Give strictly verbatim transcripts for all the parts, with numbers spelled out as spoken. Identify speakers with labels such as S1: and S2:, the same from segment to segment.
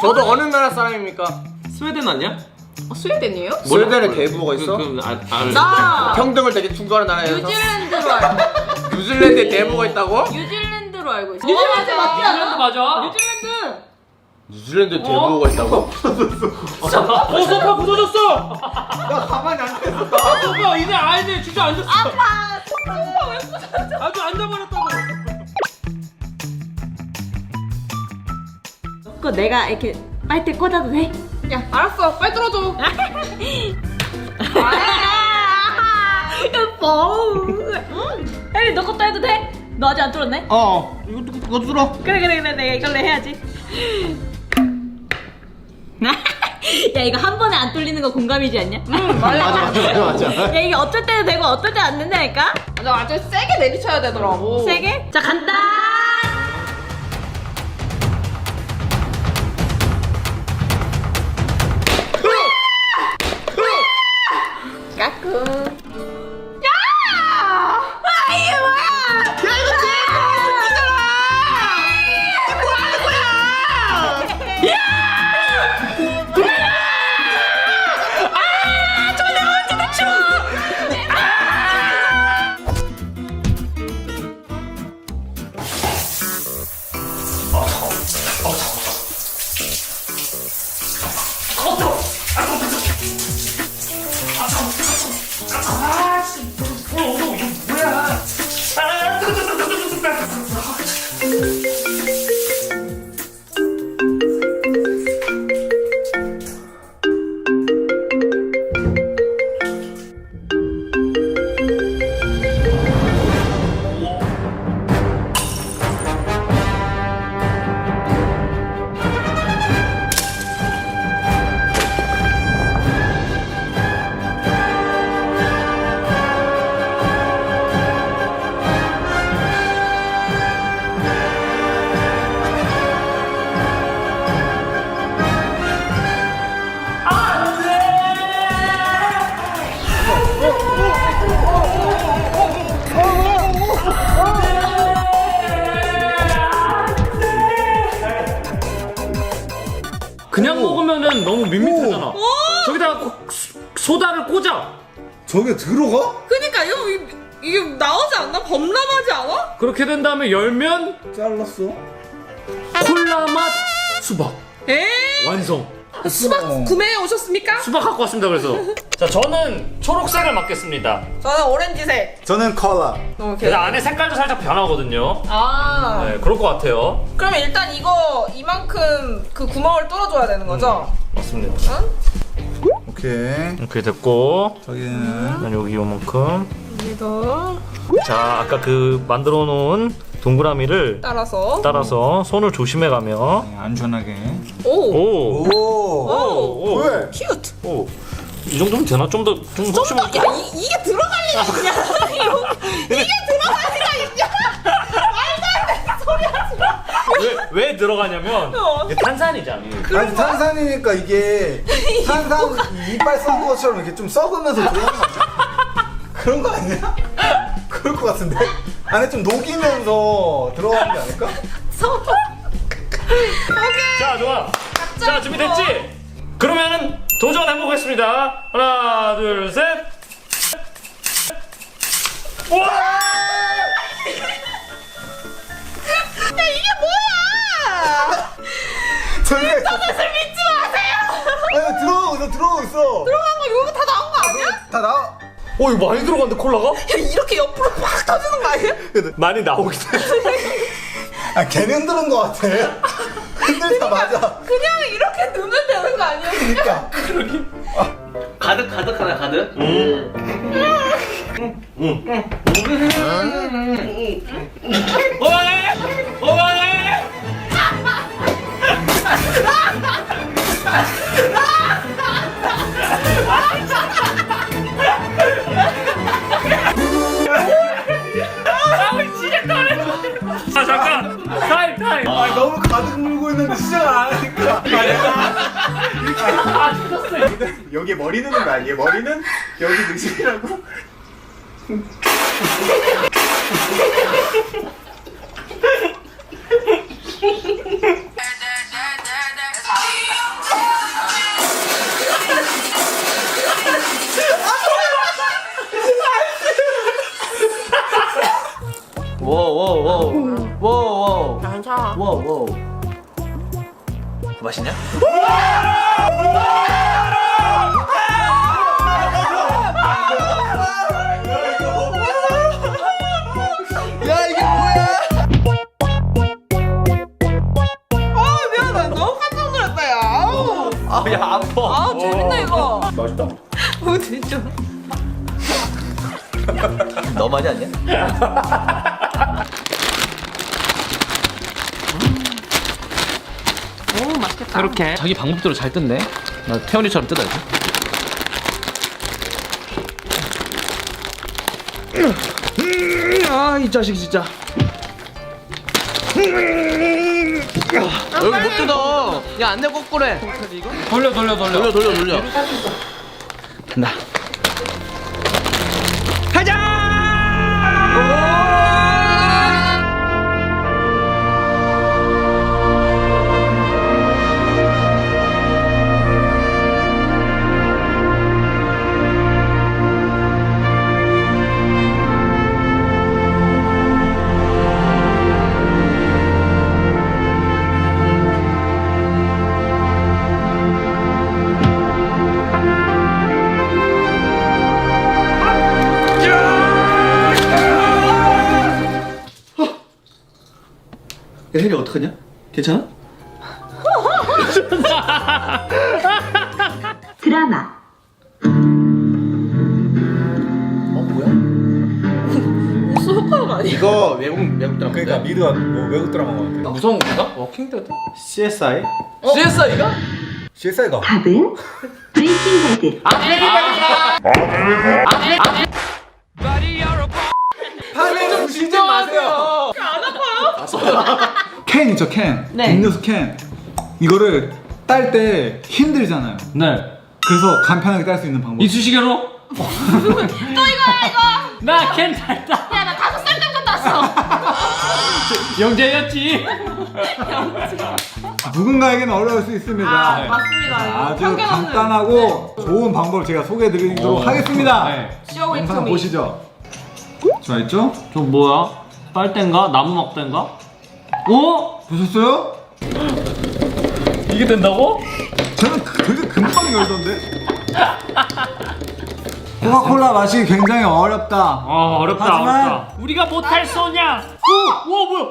S1: 저도 어느 나라 사람입니까?
S2: 스웨덴 아니야?
S3: 어, 스웨덴이에요?
S1: 스웨덴에 대부호가 있어?
S2: 그, 그, 아, 아,
S3: 나
S1: 평등을 되게 추구하는 나라에서
S3: 뉴질랜드로 알고
S1: 뉴질랜드에 대부호가 있다고?
S3: 뉴질랜드로 알고 있어.
S4: 뉴질랜드 맞지
S2: 뉴질랜드
S4: 않아?
S2: 맞아.
S3: 뉴질랜드.
S1: 뉴질랜드에 대부호가 있다고?
S2: 어, 소파 부서졌어.
S1: 나 가만히 앉아있어.
S2: 아, 소파 이제 아이들 진짜 앉았어.
S3: 아파. 소파 왜 부서져?
S2: 아주 앉아버렸다고.
S4: 그거 내가 이렇게 빨대 꽂아도 돼?
S3: 야, 알았어. 빨리 들어줘.
S4: 여보. 혜리 너 것도 해도 돼? 너 아직 안 뚫었네?
S1: 어 이것도 이것도 들어.
S4: 그래 그래 그래 내가 이걸로 해야지. 야 이거 한 번에 안 뚫리는 거 공감이지 않냐?
S3: 응, 맞아.
S1: 맞아 맞아 맞아.
S4: 야 이게 어쩔 때는 되고 어떨 때 안 된다니까?
S3: 맞아, 아주 세게 내리쳐야 되더라고.
S4: 세 개? 자 간다.
S3: 까꿍.
S4: 아 이게 뭐야?
S2: 그냥 먹으면은 너무 밋밋하잖아. 저기다가 꼭 소- 소다를 꽂아.
S5: 저게 들어가?
S3: 그니까 이거 이- 이게 나오지 않나? 범람하지 않아?
S2: 그렇게 된 다음에 열면
S5: 잘랐어?
S2: 콜라 맛 수박
S3: 에?
S2: 완성.
S3: 수박
S5: 어.
S3: 구매해 오셨습니까?
S2: 수박 갖고 왔습니다. 그래서 자 저는 초록색을 맡겠습니다.
S3: 저는 오렌지색.
S5: 저는 컬러.
S3: 너무
S2: 근데 안에 색깔도 살짝 변하거든요.
S3: 아.
S2: 네, 그럴 것 같아요.
S3: 그럼 일단 이거 이만큼 그 구멍을 뚫어줘야 되는 거죠?
S2: 맞습니다.
S3: 응?
S5: 오케이.
S2: 이렇게 됐고,
S5: 저기는
S2: 난 여기 요만큼.
S3: 여기도
S2: 자, 아까 그 만들어 놓은 동그라미를
S3: 따라서.
S2: 따라서 손을 조심해가며.
S5: 안전하게.
S3: 오.
S2: 오,
S5: 오.
S2: 오, 오,
S5: 왜?
S3: 큐트.
S2: 오. 이 정도면 되나? 좀 더, 좀
S3: 좀
S2: 혹시
S3: 더,
S2: 뭐-
S3: 야, 이, 이게 들어갈 리가 있냐? 이게 들어갈 리가 있냐? 말도 안 되는 소리 하지 마.
S2: 왜, 왜 들어가냐면
S3: 어.
S2: 이게 탄산이잖아.
S5: 아니 탄산이니까 이게 탄산 이빨 썩은 것처럼 이렇게 좀 썩으면서 들어가는 거 아니야? 그런 거 아니야? 그럴 것 같은데? 안에 좀 녹이면서 들어가는 게 아닐까?
S2: 자, 좋아. 자, 준비됐지? 그러면은 도전해보겠습니다. 하나, 둘, 셋. 우와!
S3: 야, 이게 뭐야?
S5: 저기
S3: 저것을 믿지 마세요.
S5: 아니 들어가고 있어 들어가고 있어.
S3: 들어간 거 이거 다 나온 거 아니야?
S5: 다 나와.
S2: 어, 이거 많이 들어갔는데, 콜라가?
S3: 야, 이렇게 옆으로 팍 터지는 거 아니야?
S2: 많이 나오긴 해.
S5: 아 걔는 흔드는 거 같아. 흔들자마자.
S3: 그냥 이렇게 넣으면 되는 거 아니야?
S5: 그러니까.
S1: 가득 가득 하나 가득.
S2: 오만해! 오만해! 아, 잠깐! 타임, 타임!
S5: 아 너무 가득 물고 있는데 시작을 안 하니까.
S2: 아, 죽었어.
S5: 여기 머리 넣는 거야. 얘 머리는 여기 넣으시라고.
S1: 맛있냐?
S5: 야 이게 뭐야?
S3: 아 미안해 너무 깜짝 놀랐다 야. 아우.
S1: 아야 아파.
S3: 아 재밌네 이거.
S2: 맛있다.
S3: 어 진짜.
S1: 너 많이 아니야?
S3: 오 맛있겠다.
S2: 이렇게 자기 방법대로 잘 뜯네. 나 태연이처럼 뜯어야지. 아 이 자식 진짜.
S1: 여기 못 뜯어. 야 안 내 거꾸로 해.
S2: 돌려 돌려 돌려.
S1: 돌려 돌려 돌려. 간다. 야 혜리 어떡하냐? 괜찮아?
S6: 드라마
S1: 어 뭐야?
S3: 무슨 효과음 아니야?
S1: 이거 외국 외국 드라마.
S5: 그러니까 미드가 뭐 외국 드라마 같아.
S2: 무서운 건가? 워킹데드?
S5: 씨에스아이?
S1: 씨에스아이가?
S5: 씨에스아이가
S6: 답은 브레이킹 배드.
S5: 파는 진짜 마세요. 캔 있죠 캔.
S3: 네.
S5: 음료수 캔. 이거를 딸 때 힘들잖아요.
S2: 네.
S5: 그래서 간편하게 딸 수 있는 방법.
S2: 이쑤시개로?
S3: 또 이거야 이거.
S2: 나 괜찮다.
S3: 야 나 다섯 살 때부터 땄어.
S2: 영재였지.
S5: 누군가에게는 어려울 수 있습니다.
S3: 아 맞습니다.
S5: 아주
S3: 편견 없는.
S5: 간단하고 좋은 방법을 제가 소개해드리도록
S2: 오.
S5: 하겠습니다.
S2: 네.
S3: 쇼 위트
S5: 영상
S3: 미.
S5: 보시죠. 자 있죠?
S2: 저 뭐야? 빨대인가? 나무 막대인가? 어?
S5: 보셨어요?
S2: 이게 된다고?
S5: 저는 그- 되게 금방 열던데. 코카콜라 맛이 굉장히 어렵다.
S2: 아 어렵다
S5: 하지만-
S2: 어렵다. 우리가 못할 소냐? 오! 우와 뭐야?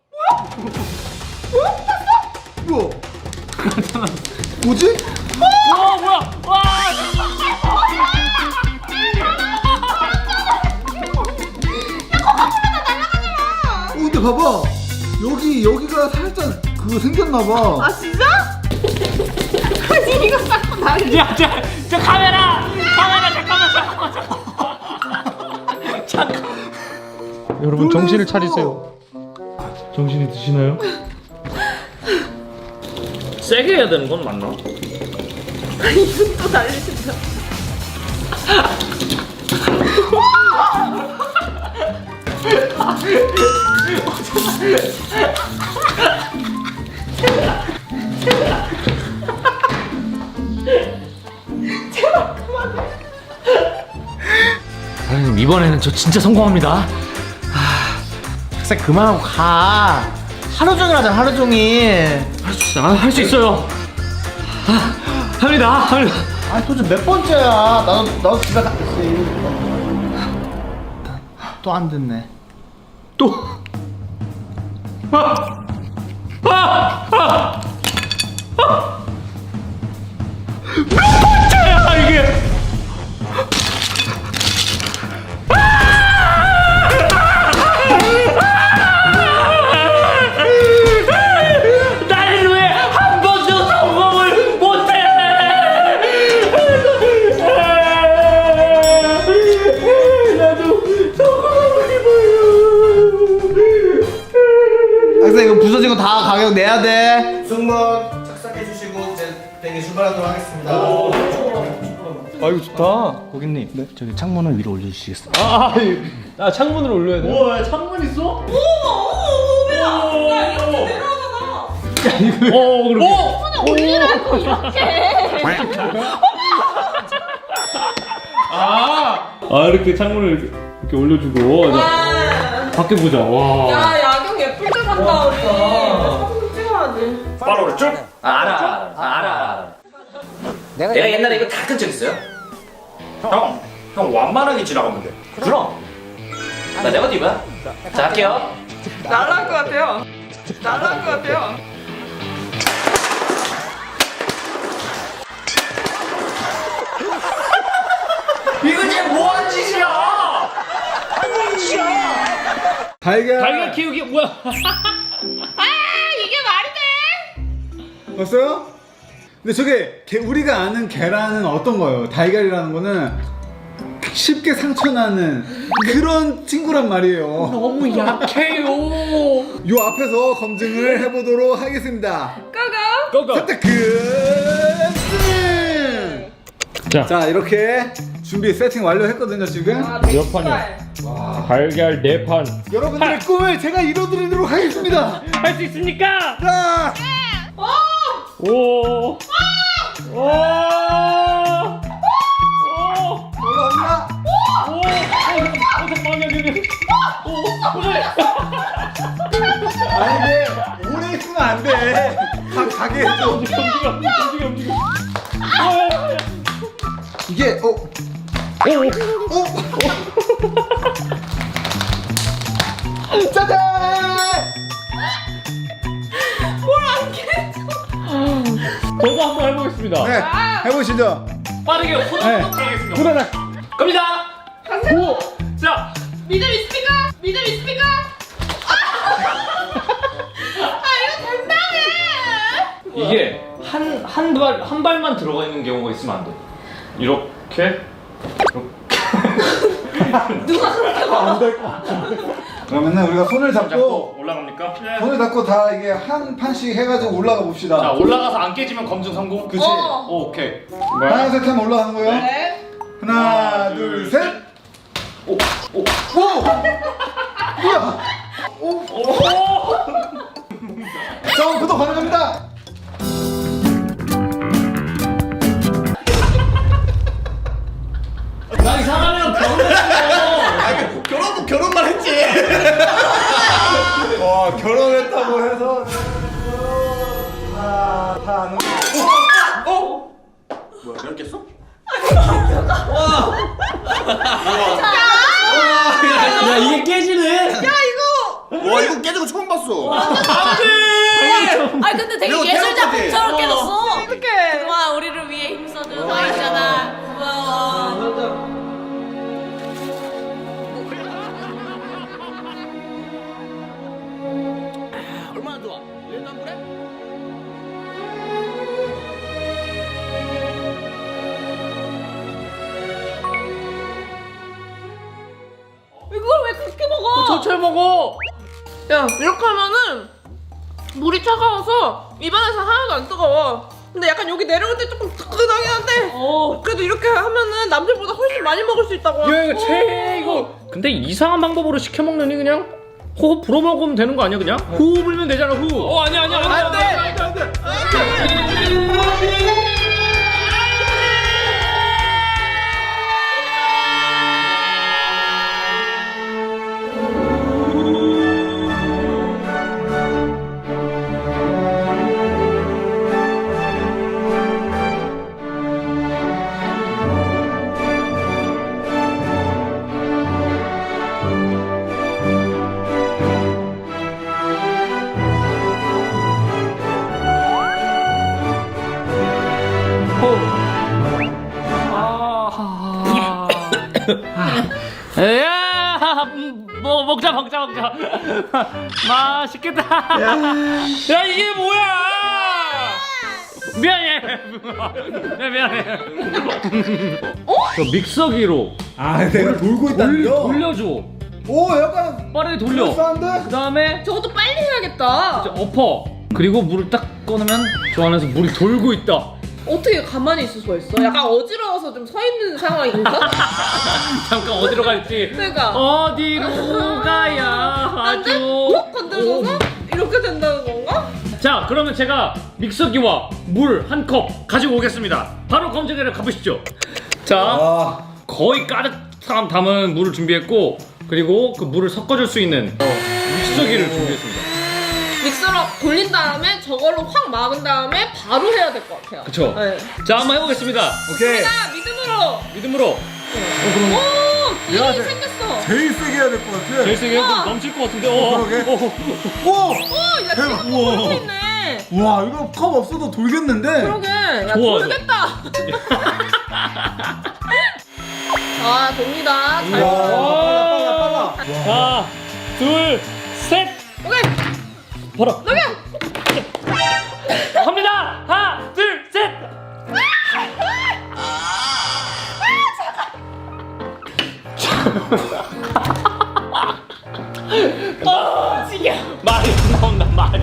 S5: 우와. 뭐지?
S2: 우와 뭐야? 와!
S5: 어, 근데 봐봐. 여기 여기가 살짝 그거 생겼나봐.
S3: 아 진짜? 아니 이거 싹 나.
S2: 야, 저, 저 카메라! 카메라 잠깐만 잠깐만 잠깐만. 잠깐. 여러분 정신을 차리세요. 정신이 드시나요? 세게 해야 되는 건 맞나?
S3: 이분 또 날리신다.
S2: 사장님 이번에는 저 진짜 성공합니다. 아,
S1: 학생 그만하고 가. 하루 종일 하자 하루 종일.
S2: 할 수 있어, 할 수 있어요. 아, 합니다, 합니다.
S1: 아니 도대체 몇 번째야? 나도 나도 집에 갔지. 또 안 듣네.
S2: 또. 아, 아, 아, 아. 몇 번째야 이게? 나는 왜 한 번도 성공을 못해? 나도 성공하고 싶어요.
S1: 학생 이거 부서진 거 다 가격 내야 돼. 승무원 착석해 주시고 이제 대기 출발하도록 하겠습니다.
S2: 아 이거 좋다. 고객님. 네.
S1: 저기 창문을 위로 올려주시겠어요?
S2: 아, 아 창문으로 올려야 돼. 우와, 창문 있어?
S3: 어머 어머 어머 야 이렇게 내려오잖아.
S2: 어, 그러게.
S3: 손을 올리라고 이렇게.
S2: 아, 아 이렇게 창문을 이렇게, 이렇게 올려주고. 자,
S3: 와.
S2: 밖에 보자. 와.
S3: 야 야경 예쁠 때 간다 우리. 사진 찍어야지.
S2: 바로 쭉.
S1: 아, 알아, 알아, 알아, 알아, 알아.
S5: 내가,
S1: 내가 옛날에 이거 다 끈 적 있어요.
S2: 형, 형 완만하게 지나가면 돼.
S1: 그럼. 나 내가 뒤봐. 자, 할게요.
S3: 날아갈 것 같아요. 날아갈 것 같아요.
S1: 이거 지금 뭐하는 짓이야?
S5: 달걀.
S2: 달걀 키우기 뭐야?
S3: 아 이게 말이 돼?
S5: 봤어요? 근데 저게 게- 우리가 아는 계란은 어떤 거예요? 달걀이라는 거는 쉽게 상처나는 그런 친구란 말이에요.
S2: 너무 약해요.
S5: 요 앞에서 검증을 해보도록 하겠습니다.
S3: 고고.
S2: 고고.
S5: 선택 끝!
S2: 자,
S5: 자, 이렇게 준비 세팅 완료했거든요, 지금.
S2: 몇 판이야? 달걀 네 판.
S5: 여러분들의 꿈을 제가 이뤄드리도록 하겠습니다.
S2: 할 수 있습니까?
S5: 자,
S2: 오. 오. 오.
S5: 올라갑니다.
S2: 오. 오. 잠깐만요, 여기. 오. 오래.
S5: 아니, 이게 오래 있으면 안 돼. 가, 가게 해줘.
S2: 움직여, 움직여, 움직여. 오.
S5: 이게, 어,
S2: 오.
S5: 어. 짜잔!
S2: 저도 한번 해보겠습니다.
S5: 네, 해보시죠.
S2: 빠르게
S5: 네.
S2: 호닥호닥 하겠습니다.
S5: 후다닥.
S2: 갑니다. 오. 자.
S3: 믿음 있습니까? 믿음 있습니까? 아 이거 된다며.
S2: 이게 한 한 발 한 발만 들어가 있는 경우가 있으면 안 돼. 이렇게.
S5: 그러면은 우리가 손을
S2: 잡고
S5: 잡고,
S2: 올라갑니까?
S5: 손을 잡고 다 이게 한 판씩 해가지고 올라가 봅시다.
S2: 자, 올라가서 안 깨지면 검증 성공.
S5: 그치?
S3: 어.
S2: 오, 오케이.
S5: 하나, 셋 하면 올라가는 거예요.
S3: 네.
S5: 하나, 둘, 셋.
S2: 오, 오,
S5: 오! 뭐야?
S2: 오.
S5: 점프도 가능합니다.
S2: 나 이상하면 결혼했어.
S1: 결혼, 결혼만 했지.
S5: 와, 결혼했다고 해서 다, 다 아는 거.
S1: 어? 뭐야, 결혼 깼어?
S2: 야, 이게 깨지네.
S3: 야 이거.
S1: 와, 이거 깨진 거 처음 봤어.
S4: 아 근데 되게
S1: 이거
S4: 예술작품처럼
S1: 태양까지.
S4: 깨졌어.
S3: 어떡해.
S4: 그동안 우리를 위해 힘써준 아이잖아. 고마워.
S1: 얼마나 좋아? 일도 안 그래?
S4: 이걸 왜 그렇게 먹어?
S2: 저철 먹어.
S3: 야 이렇게 하면은 물이 차가워서 입안에서 하나도 안 뜨거워. 근데 약간 여기 내려올 때 조금 뜨끈하긴 한데
S4: 어.
S3: 그래도 이렇게 하면은 남들보다 훨씬 많이 먹을 수 있다고.
S2: 야, 이거 최 이거. 근데 이상한 방법으로 시켜 먹느니 그냥 호흡 불어 먹으면 되는 거 아니야 그냥? 호흡 불면 되잖아 호흡. 어 아니야 아니야
S3: 안 돼.
S5: 안 돼.
S2: 야, 뭐 먹자 먹자 먹자. 맛있겠다. 야, 이게 뭐야? 미안해. 네, 미안해. 어? 저 믹서기로
S5: 아, 내가 돌고
S2: 돌,
S5: 있다는겨?
S2: 돌려줘.
S5: 오, 약간
S2: 빠르게 돌려.
S5: 그럴싸한데?
S2: 그 다음에
S3: 저것도 빨리 해야겠다.
S2: 엎어. 그리고 물을 딱 꺼내면 저 안에서 물이 돌고 있다.
S3: 어떻게 가만히 있을 수가 있어? 약간 어지러워서 좀 서 있는 상황인가?
S2: 잠깐 어디로 갈지.
S3: 그러니까.
S2: 어디로 가야
S3: 안 돼?
S2: 하죠?
S3: 어? 건들어서 이렇게 된다는 건가?
S2: 자, 그러면 제가 믹서기와 물 한 컵 가지고 오겠습니다. 바로 검증회를 가보시죠. 자,
S5: 아,
S2: 거의 가득 담은 물을 준비했고, 그리고 그 물을 섞어줄 수 있는 믹서기를 준비했습니다.
S3: 믹서로 돌린 다음에 저걸로 확 막은 다음에 바로 해야 될 것 같아요.
S2: 그쵸?
S3: 네.
S2: 자, 한번 해보겠습니다.
S5: 오케이.
S3: 자, 믿음으로.
S2: 믿음으로.
S3: 오,
S5: 내가
S3: 길이
S5: 돼.
S3: 생겼어.
S5: 제일 세게 해야 될 것 같아.
S2: 제일 세게 해도 넘칠 것 같은데. 어,
S5: 그러게.
S2: 어, 어.
S5: 오!
S3: 오, 야,
S5: 대박.
S3: 지금 돌고 있네.
S5: 와, 이거 컵 없어도 돌겠는데?
S3: 그러게. 야,
S2: 좋아,
S3: 돌겠다. 아, 돕니다. 잘
S5: 우와,
S3: 됐어요.
S5: 빨라, 빨라, 빨라.
S2: 하나, 둘, 셋.
S3: 오케이.
S2: 봐라.
S3: 여기.
S2: 갑니다. 하나, 둘, 셋. 말이 안 나온다 말이.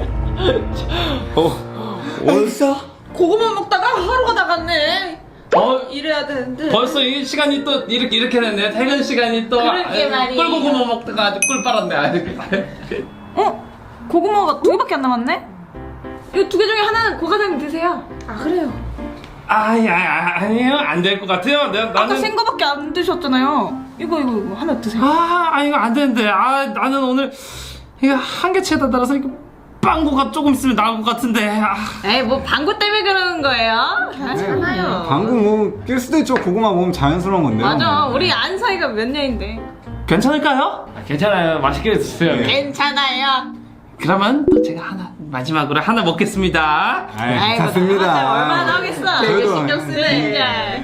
S2: 어,
S3: 어디서? 고구마 먹다가 하루가 다 갔네.
S2: 어,
S3: 이래야 되는데.
S2: 벌써 이 시간이 또 이렇게 이렇게 됐네. 퇴근 시간이 또
S3: 그러게
S2: 아유,
S3: 말이에요.
S2: 꿀고구마 먹다가 아주 꿀 빨았네. 아유.
S4: 어? 고구마가 두 개밖에 안 남았네? 이거 두 개 중에 하나는 고 과장님 드세요.
S3: 아, 그래요.
S2: 아이, 아이, 아, 아니에요. 안 될 것 같아요. 내가
S4: 아까
S2: 나는
S4: 생거밖에 안 드셨잖아요. 이거 이거 이거 하나 드세요.
S2: 아, 아 이거 안 되는데. 아, 나는 오늘 이거 한계치에다 따라서 이거 빵구가 조금 있으면 나올 것 같은데. 아.
S4: 에이 뭐 방구 때문에 그러는 거예요?
S3: 괜찮아요.
S5: 방금 뭐 낄 수도 있죠. 고구마 먹으면 자연스러운 건데요.
S4: 맞아. 우리 안 사이가 몇 년인데.
S2: 괜찮을까요? 아, 괜찮아요. 맛있게 드세요.
S5: 네.
S4: 괜찮아요.
S2: 그러면 또 제가 하나 마지막으로 하나 먹겠습니다.
S5: 아이,
S4: 아이고,
S5: 괜찮습니다.
S4: 나한테 얼마나 하겠어.
S3: 되게
S5: 저희도-
S3: 신경 쓰네.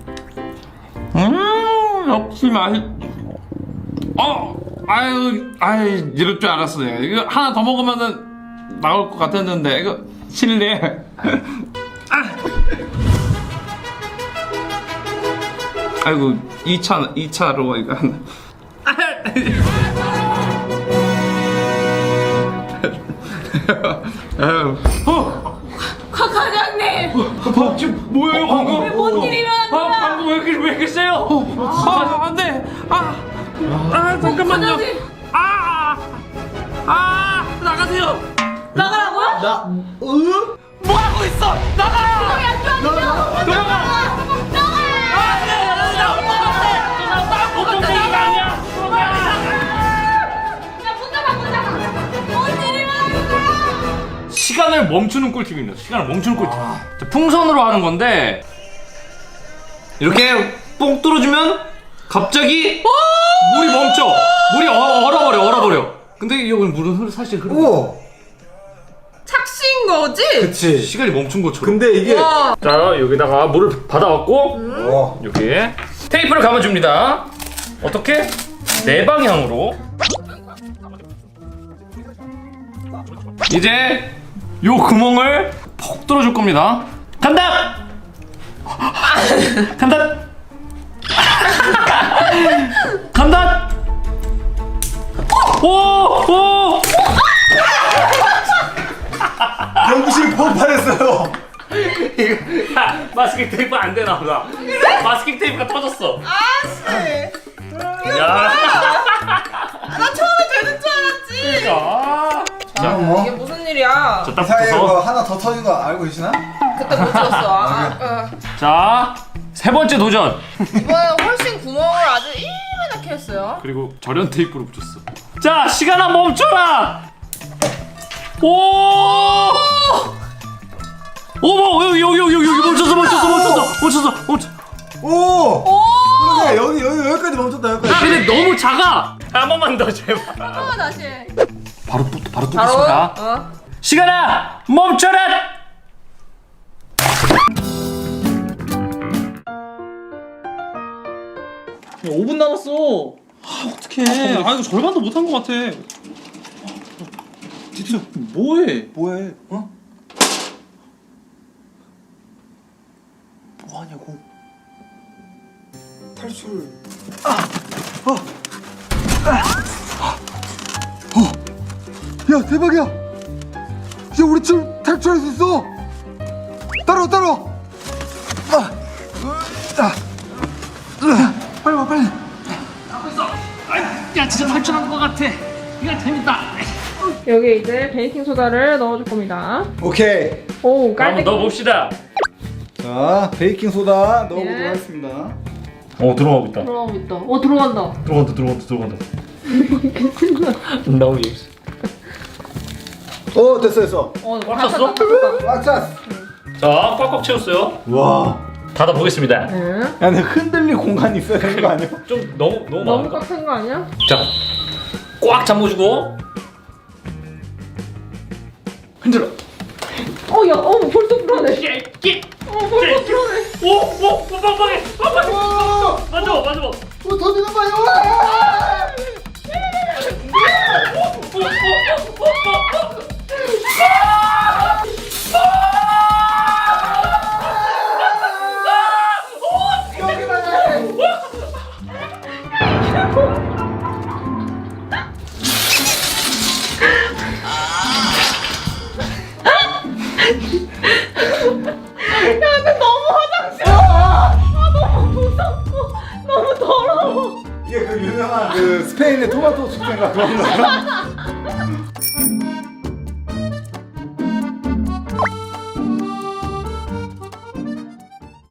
S2: 음, 역시 맛있. 어, 아유, 아유, 이럴 줄 알았어요. 이거 하나 더 먹으면은 나올 것 같았는데 이거 실례. 아. 아이고, 이 차, 이 차로 이거 하나. 아유, 어,
S4: 과 과장님.
S2: 어, 지금 뭐예요 방금?
S4: 뭔 일이 일어난
S2: 아,
S4: 거야?
S2: 방금 왜 이렇게 왜 이렇게 세요? 아, 안 돼. 아, 아, 잠깐만요.
S4: 과장님.
S2: 아, 아, 나가세요.
S4: 나가라고요?
S1: 나, 으?
S2: 뭐 하고 있어? 나가요. 나가. 나가. 시간을 멈추는 꿀팁입니다. 시간을 멈추는 꿀팁. 자, 풍선으로 하는 건데 이렇게 뽕 뚫어주면 갑자기 물이 멈춰. 물이 어, 얼어버려, 얼어버려. 근데 여기 물은 흐르- 사실 흐르.
S5: 오!
S3: 착시인 거지?
S5: 그치.
S2: 시간이 멈춘 것처럼.
S5: 근데 이게.
S3: 와.
S2: 자, 여기다가 물을 받아왔고
S5: 와.
S2: 여기 테이프를 감아줍니다. 어떻게? 네 방향으로. 이제 요 구멍을 퍽 뚫어줄 겁니다. 간다! 간다! 간다! 오! 오!
S5: 연구실 폭발했어요.
S2: 이거 야, 마스킹 테이프 안 되나 보다. 마스킹 테이프가 터졌어.
S3: 아씨.
S2: 야.
S3: 나 처음에 되는 줄 알았지.
S2: 그러니까.
S5: 자, 뭐.
S3: 이게 무슨 일이야?
S2: 자, 딱
S5: 사이에
S2: 붙어서.
S5: 뭐 하나 더 터진 거 알고 계시나?
S3: 그때 못 들었어. 아, 아.
S2: 자, 세 번째 도전.
S3: 이번에 훨씬 구멍을 아주 이만하게 했어요.
S2: 그리고 절연 테이프로 붙였어. 자, 시간아 멈춰라. 오! 어머, 여기 여기 여기 여기 멈췄어, 멈췄어, 멈췄어, 멈췄어, 멈췄어.
S5: 오! 그러게 여기 여기 여기까지 멈췄다
S2: 야,
S5: 여기까지.
S2: 근데 너무 작아. 한 번만 더 제발.
S3: 아, 다시.
S2: 바로 또 바로
S3: 바로.
S2: 뚫겠습니다.
S3: 어.
S2: 시간아 멈춰라.
S1: 오 분 남았어.
S2: 아, 어떡해. 아, 이거 절반도 못한 것 같아.
S1: 진짜 뭐해?
S5: 뭐해? 어?
S1: 뭐 하냐고.
S5: 탈출. 아! 어! 아! 어! 야 대박이야! 이제 우리 지금 탈출할 수 있어! 따라와 따라와! 아! 아! 아! 빨리 와 빨리!
S2: 야, 진짜 탈출한 것 같아. 이거 재밌다.
S3: 여기 이제 베이킹 소다를 넣어줄 겁니다.
S5: 오케이!
S3: 오,
S2: 한번
S3: 깔때기.
S2: 넣어봅시다.
S5: 자 베이킹 소다 넣어보도록
S3: 예.
S5: 하겠습니다.
S2: 어, 들어가고 있다.
S3: 들어가고 있다. 어, 들어간다.
S2: 들어간다, 들어간다, 들어간다. 너무 재밌어.
S5: 어 됐어 됐어.
S4: 어,
S7: 꽉 찼어?
S5: 꽉 찼어.
S7: 자, 꽉꽉 채웠어요.
S5: 와.
S7: 닫아보겠습니다.
S5: 야 근데 흔들릴 공간이 있어야 되는 거 아니야?
S7: 좀 너무 너무
S3: 너무
S7: 많을까?
S3: 빡센 거 아니야?
S7: 자, 꽉 잠궈주고 흔들어.
S3: 어, 야, 어, 벌써 불안해.
S7: 깨깨.
S3: 어, 벌써 불안해.
S7: 오, 오, 빵빵해, 빵빵해. 맞아, 맞아.
S5: 어 터지는 거야.
S3: 너무 화장실. 아, 너무 무섭고 너무 더러워.
S5: 이게 그 유명한 그 스페인의 토마토 축제인가 그런 거야?